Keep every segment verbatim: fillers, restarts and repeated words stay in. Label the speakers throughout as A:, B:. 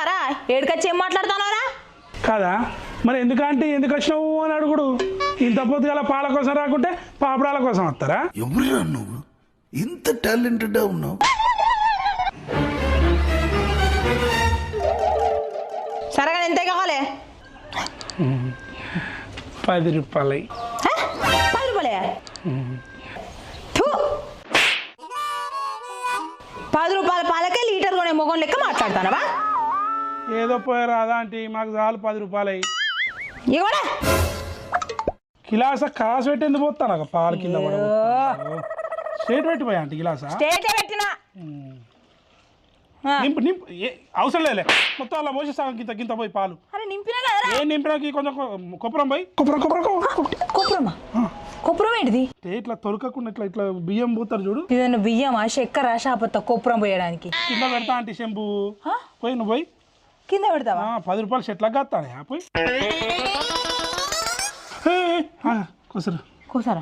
A: వచ్చినావారా ఏడుకొచ్చి ఏం మాట్లాడుతున్నారా
B: కాదా మరి ఎందుకంటే ఎందుకు వచ్చినావు అని అడుగుడు ఇంత పొద్దుగల పాల కోసం రాకుంటే పాపడాల కోసం వస్తారా
C: ఎవరురా నువ్వు ఇంత టాలెంటెడ్ ఉన్నావు
A: సరగా ఎంత కావాలి
B: పది రూపాయలు
A: పది రూపాయలే పది రూపాయల పాలకే లీటర్ కొనే మొగం లెక్క మాట్లాడతానవా
B: ఏదో పోయారా అదా అంటే మాకు చాలు పది రూపాయలు అయ్యి
A: ఇవ్వడా
B: గిలాస కాసు పెట్టి ఎందుకు పోతాను పాలు కింద పడ స్ట్రేట్ పెట్టిపోయా అంటే గిలాసా
A: స్టేటే పెట్టినా
B: నింపు నింపు అవసరం లేలే మొత్తం అలా పోసేస్తాను గింత గింత పోయి పాలు
A: అరే నింపినా కదరా
B: ఏం నింపినాకి కొంచెం కొప్పరం పోయి కొప్పరం కొప్పరం
A: కొప్పురమా కొప్పురం ఏంటిది
B: ఇట్లా తొలకకుండా ఇట్లా ఇట్లా బియ్యం పోతారు చూడు
A: ఇదన్న బియ్యమా చక్కెర షాపత్త కొప్పురం పోయడానికి
B: కింద పెడతా అంటే శంపు పోయి నువ్వు పోయి
A: కింద పెడతావా
B: పది రూపాయలు చెట్లకు కాస్తానే పోయి కోసరు
A: కోసారా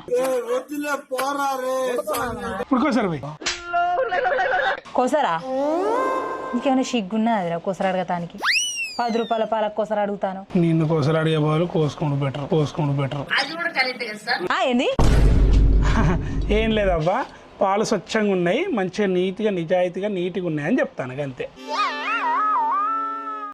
B: ఇప్పుడు కోసారు పోయి
A: కోసారా ఇంకేమైనా సిగ్గున్నదిరా కోసర అడగటానికి పది రూపాయల పాలకు కోసర అడుగుతాను
B: నిన్ను కోసలు అడిగే వాళ్ళు కోసుకోండు బెటర్ కోసుకోండు బెటర్
A: ఏంది
B: ఏం లేదబ్బా పాలు స్వచ్ఛంగా ఉన్నాయి మంచిగా నీట్గా నిజాయితీగా నీట్గా ఉన్నాయి అని చెప్తాను అంతే